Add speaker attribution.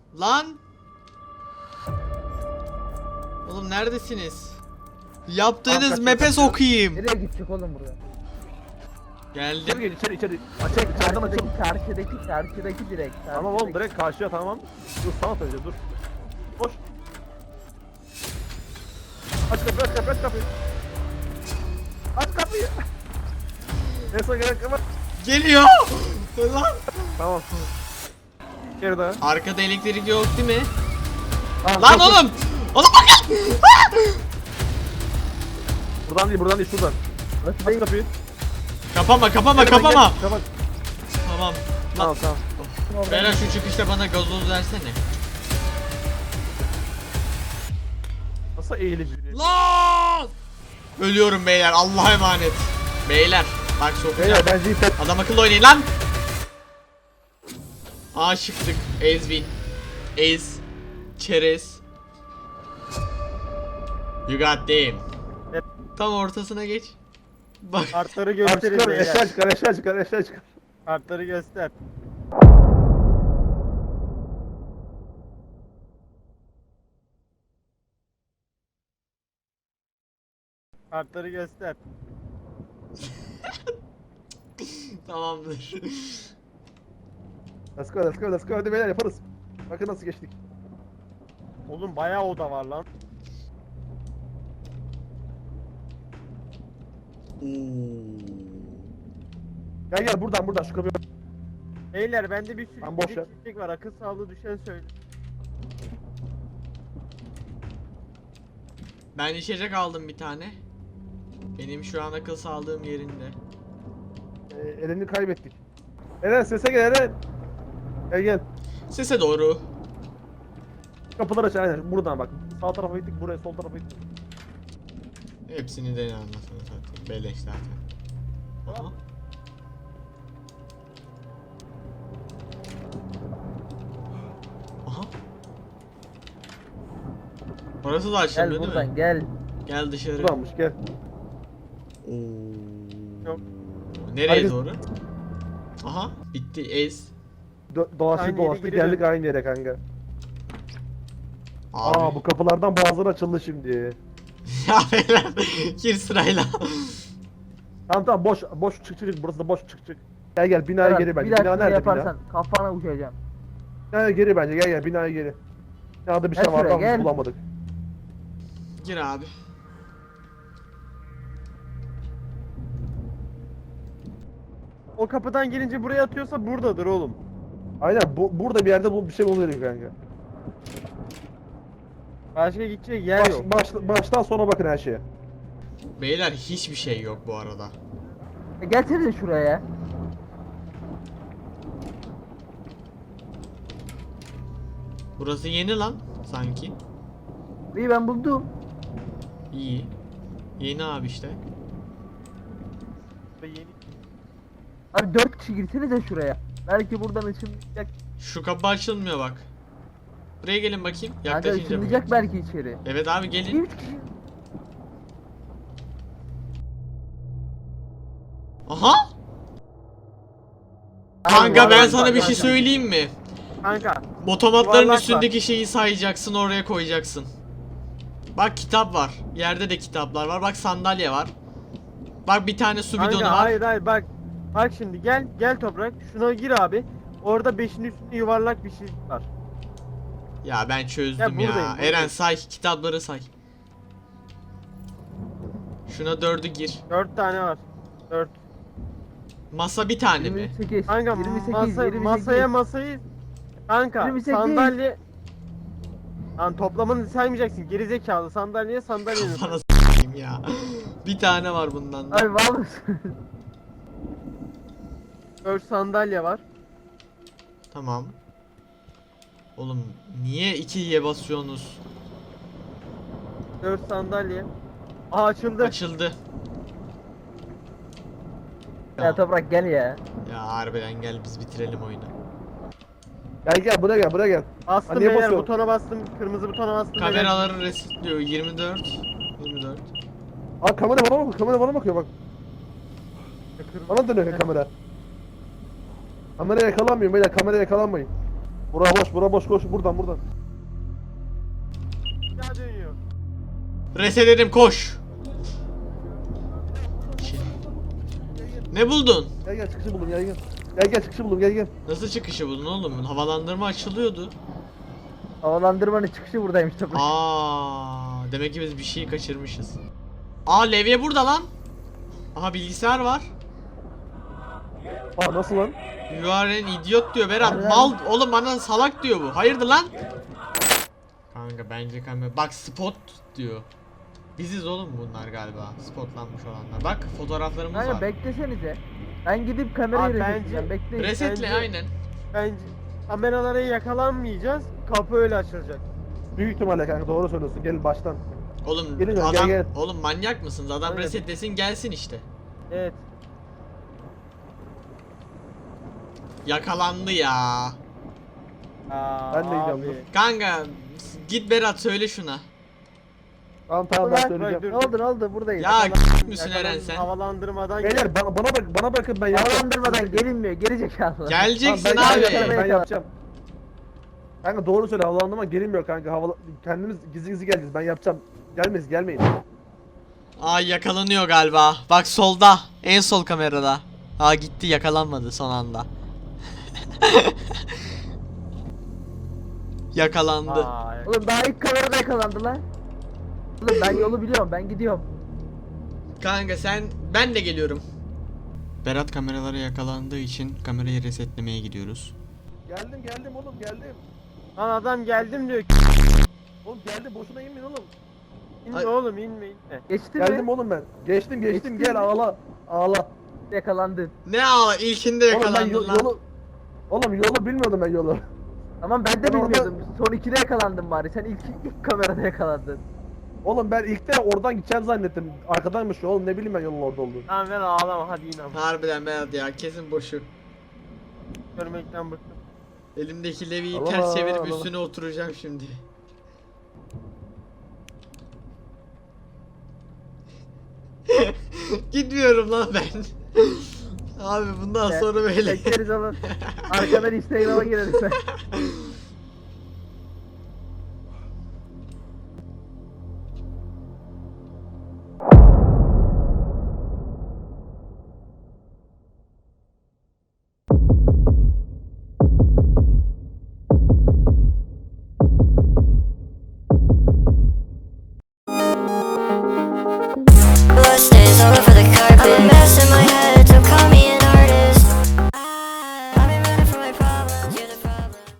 Speaker 1: Lan! Oğlum neredesiniz? Yaptığınız
Speaker 2: Kaç,
Speaker 1: map'e
Speaker 2: kaç.
Speaker 1: sokayım.
Speaker 3: Nereye gidecek oğlum buraya?
Speaker 2: İçeri
Speaker 1: Geldim.
Speaker 2: gel içeri. Açık içeriden açıl.
Speaker 3: Karşıdaki direkt.
Speaker 2: Tamam oğlum direkt karşıya tamam. Dur sana söyleyeceğim dur. Koş. Aç kapıyı. Aç kapıyı. En son gelen kapı.
Speaker 1: Geliyor. Lan.
Speaker 2: Tamam. Geri daha.
Speaker 1: Arkada elektrik yok değil mi?
Speaker 2: Tamam,
Speaker 1: Lan
Speaker 2: koş, koş.
Speaker 1: oğlum. Oğlum bakın.
Speaker 2: Buradan değil şuradan. Aç kapıyı.
Speaker 1: Kapama.
Speaker 2: Gel, ben gel.
Speaker 1: Tamam.
Speaker 2: Tamam.
Speaker 1: Lan.
Speaker 2: Tamam.
Speaker 1: Beyler şu çıkışta bana gazoz versene.
Speaker 2: Nasıl eğilip
Speaker 1: Lan! Ölüyorum beyler. Allah'a emanet. Beyler bak sokacağım.
Speaker 2: bence ipet.
Speaker 1: Adam akıllı oynayın lan. Aşıktık. Ezvin. Ez. Çerez. You got them.
Speaker 2: Evet.
Speaker 1: Tam ortasına geç. Bak.
Speaker 4: Kartları
Speaker 2: Çıkar
Speaker 4: gösterin
Speaker 2: eşya
Speaker 4: beyler.
Speaker 2: çıkar eşya çıkar.
Speaker 4: Kartları göster. Kartları göster.
Speaker 1: Tamamdır.
Speaker 2: Let's go hadi beyler yaparız. Bakın nasıl geçtik.
Speaker 4: Oğlum bayağı oda var lan.
Speaker 2: Gel buradan şu kapıyı.
Speaker 4: Beyler bende bir sürü
Speaker 2: Lan boş ver.
Speaker 4: çiçek var. Akıl sağlığı düşen söyle.
Speaker 1: Ben içecek aldım bir tane. Benim şu an akıl sağlığım yerinde.
Speaker 2: Eren'i kaybettik. Eren sese gel Eren. Gel.
Speaker 1: Sese doğru.
Speaker 2: Kapıları aç aynen buradan bak. Sağ tarafa gittik buraya sol tarafa gittik.
Speaker 1: Hepsini de anlasana zaten. Beleş zaten. Aha. Aha. Orası da
Speaker 3: Gel
Speaker 1: açılmıyor değil mi?
Speaker 3: buradan gel.
Speaker 1: Gel dışarı.
Speaker 2: Buradanmış gel.
Speaker 1: Oo.
Speaker 4: Yok.
Speaker 1: Nereye
Speaker 2: Herkes-
Speaker 1: doğru? Aha bitti ez.
Speaker 2: Dolaştık
Speaker 4: Aynı yere geri
Speaker 2: geldik
Speaker 4: dön.
Speaker 2: aynı yere kanka.
Speaker 1: Abi.
Speaker 2: Aa bu kapılardan bazıları açıldı şimdi.
Speaker 1: Ya beyler gir sırayla.
Speaker 2: Tamam boş çık burası da boş çık. Gel binaya
Speaker 3: Berat,
Speaker 2: geri bence.
Speaker 3: bir daha
Speaker 2: Bina
Speaker 3: şunu
Speaker 2: nerede
Speaker 3: yaparsan kafana uçacağım.
Speaker 2: Binaya geri bence gel binaya geri. Binada bir şey
Speaker 3: Gel
Speaker 2: var
Speaker 3: şuraya,
Speaker 2: ama
Speaker 3: gel.
Speaker 2: biz bulamadık.
Speaker 1: Gir abi.
Speaker 4: O kapıdan girince buraya atıyorsa buradadır oğlum.
Speaker 2: Aynen burada bir yerde bir şey buluyoruz kanka.
Speaker 4: Başka gidecek yer yok.
Speaker 2: Baştan sona bakın her şeye.
Speaker 1: Beyler hiçbir şey yok bu arada.
Speaker 3: Gelsene şuraya.
Speaker 1: Burası yeni lan sanki.
Speaker 3: İyi ben buldum.
Speaker 1: İyi. Yeni abi işte.
Speaker 4: Yeni.
Speaker 3: Abi 4 kişi girsene de şuraya. Belki buradan ışınlayacak.
Speaker 1: Şu kapı açılmıyor bak. Buraya gelin bakayım.
Speaker 3: Kanka
Speaker 1: Yaklaşınca.
Speaker 3: ışınlayacak belki içeri.
Speaker 1: Evet abi gelin.
Speaker 3: 3 kişi.
Speaker 1: Aha! Kanka
Speaker 4: var,
Speaker 1: ben
Speaker 4: var,
Speaker 1: sana
Speaker 4: var,
Speaker 1: bir
Speaker 4: var,
Speaker 1: şey
Speaker 4: var.
Speaker 1: söyleyeyim mi?
Speaker 4: Kanka.
Speaker 1: Otomatların
Speaker 4: Yuvarlak
Speaker 1: üstündeki şeyi sayacaksın, oraya koyacaksın. Bak kitap var. Yerde de kitaplar var. Bak sandalye var. Bak bir tane su bidonu
Speaker 4: Kanka
Speaker 1: var.
Speaker 4: hayır bak. Bak şimdi gel toprak. Şuna gir abi. Orada 5'in üstünde yuvarlak bir şey var.
Speaker 1: Ya ben çözdüm
Speaker 4: Ya
Speaker 1: ya.
Speaker 4: buradayım, buradayım.
Speaker 1: Eren say, kitapları say. Şuna 4'ü gir.
Speaker 4: 4 tane var. 4.
Speaker 1: Masa bir tane mi?
Speaker 3: 28.
Speaker 4: Kanka
Speaker 3: 28.
Speaker 4: masayı kanka
Speaker 3: 28.
Speaker 4: sandalye. Lan toplamını saymayacaksın gerizekalı sandalye sandalyenin.
Speaker 1: Bana s**eyim ya. Bir tane var bundan da.
Speaker 3: Abi var mısın?
Speaker 4: 4 sandalye var.
Speaker 1: Tamam. Oğlum niye 2'ye basıyorsunuz?
Speaker 4: 4 sandalye. Aa açıldı.
Speaker 1: Açıldı.
Speaker 3: Ya Toprak gel ya.
Speaker 1: Ya harbiden gel biz bitirelim oyunu.
Speaker 2: Gel buraya gel.
Speaker 4: Bastım
Speaker 2: Niye
Speaker 4: beyler
Speaker 2: basıyorum?
Speaker 4: butona bastım. Kırmızı butona bastım. beyler.
Speaker 1: Kameraları resetliyor 24. 24.
Speaker 2: Aa kamera bana bakıyor bak.
Speaker 4: Kırmızı-
Speaker 2: Bana dönüyor kamera. Kamera yakalanmıyor beyler kamera yakalanmayın. Bura boş koş buradan.
Speaker 4: Bir daha dönüyor.
Speaker 1: Reseledim koş. Ne buldun?
Speaker 2: Gel çıkışı buldum gel. Gel çıkışı buldum gel.
Speaker 1: Nasıl çıkışı buldun oğlum? Havalandırma açılıyordu.
Speaker 3: Havalandırmanın çıkışı buradaymış Toprak.
Speaker 1: Demek ki biz bir şey kaçırmışız. Levye burada lan. Aha bilgisayar var.
Speaker 2: Nasıl lan?
Speaker 1: You are an idiot diyor Berat.
Speaker 3: Harbiden
Speaker 1: Mal
Speaker 3: mi?
Speaker 1: oğlum bana salak diyor bu. Hayırdır lan? Kanka bence kamera. Bak spot diyor. Biziz oğlum bunlar galiba. Spotlanmış olanlar. Bak fotoğraflarımız
Speaker 3: Kanka
Speaker 1: var.
Speaker 3: beklesenize. Ben gidip kamerayı
Speaker 4: Abi
Speaker 3: resetleyeceğim. Bekleyin.
Speaker 1: Resetle
Speaker 4: bence-
Speaker 1: aynen.
Speaker 4: Bence kameralara yakalanmayacağız. Kapı öyle açılacak.
Speaker 2: Büyük ihtimalle kanka doğru söylüyorsun. Gel baştan.
Speaker 1: Oğlum
Speaker 2: Gelin lan,
Speaker 1: adam
Speaker 2: gel.
Speaker 1: oğlum manyak mısınız? Adam
Speaker 4: Aynen.
Speaker 1: resetlesin gelsin işte.
Speaker 4: Evet.
Speaker 1: Yakalandı ya.
Speaker 4: Aa,
Speaker 2: Ben de gidiyorum,
Speaker 4: abi.
Speaker 1: Kanka git Berat söyle şuna.
Speaker 2: Tamam ben
Speaker 3: Ulan,
Speaker 2: söyleyeceğim.
Speaker 3: Ne oldu buradayız.
Speaker 1: Ya
Speaker 4: Yakalan-
Speaker 1: müsün Eren sen?
Speaker 4: Havalandırmadan
Speaker 2: Beyler bana bakın ben yapacağım.
Speaker 3: Havalandırmadan gelinmiyor. Gerizekalı.
Speaker 1: Geleceksin
Speaker 2: Tamam,
Speaker 1: abi.
Speaker 2: ben yapacağım. Kanka doğru söyle havalandırma gelinmiyor kanka. Kendimiz gizli geleceğiz. Ben yapacağım. Gelmeyin.
Speaker 1: Yakalanıyor galiba. Bak solda. En sol kamerada. Gitti yakalanmadı son anda. Yakalandı.
Speaker 4: Aa,
Speaker 3: Oğlum daha ilk kamerada yakalandı lan. Oğlum ben yolu biliyorum. Ben gidiyorum.
Speaker 1: Kanka ben de geliyorum. Berat kameralara yakalandığı için kamerayı resetlemeye gidiyoruz.
Speaker 2: Geldim oğlum geldim.
Speaker 4: Lan adam geldim diyor.
Speaker 2: Oğlum geldim boşuna inmeyin oğlum.
Speaker 4: İnme
Speaker 1: Ay.
Speaker 4: oğlum inme.
Speaker 3: Geçti
Speaker 2: Geldim
Speaker 3: mi?
Speaker 2: oğlum ben. Geçtim
Speaker 3: Geçtin
Speaker 2: gel
Speaker 3: mi?
Speaker 2: ağla.
Speaker 3: Yakalandın.
Speaker 1: Ne ilkinde
Speaker 2: Oğlum ben
Speaker 1: yakalandın lan.
Speaker 2: yolu bilmiyordum ben yolu.
Speaker 3: Tamam ben de
Speaker 2: Ben orada-
Speaker 3: bilmiyordum. Son ikide yakalandım bari. Sen ilk kamerada yakalandın.
Speaker 2: Oğlum ben ilk de oradan gideceğim zannettim. Arkadanmış oğlum ne bileyim ben yolun orada olduğunu.
Speaker 4: Tamam ben ağlama hadi in ama.
Speaker 1: Harbiden Berat ya kesin boşu.
Speaker 4: Görmekten bıktım.
Speaker 1: Elimdeki leviyi
Speaker 2: Allah
Speaker 1: ters çevirip
Speaker 2: Allah.
Speaker 1: üstüne oturacağım şimdi. Gitmiyorum lan ben. Abi bundan sonra böyle.
Speaker 3: Bekleriz oğlum. Arkadan Instagram'a gireriz.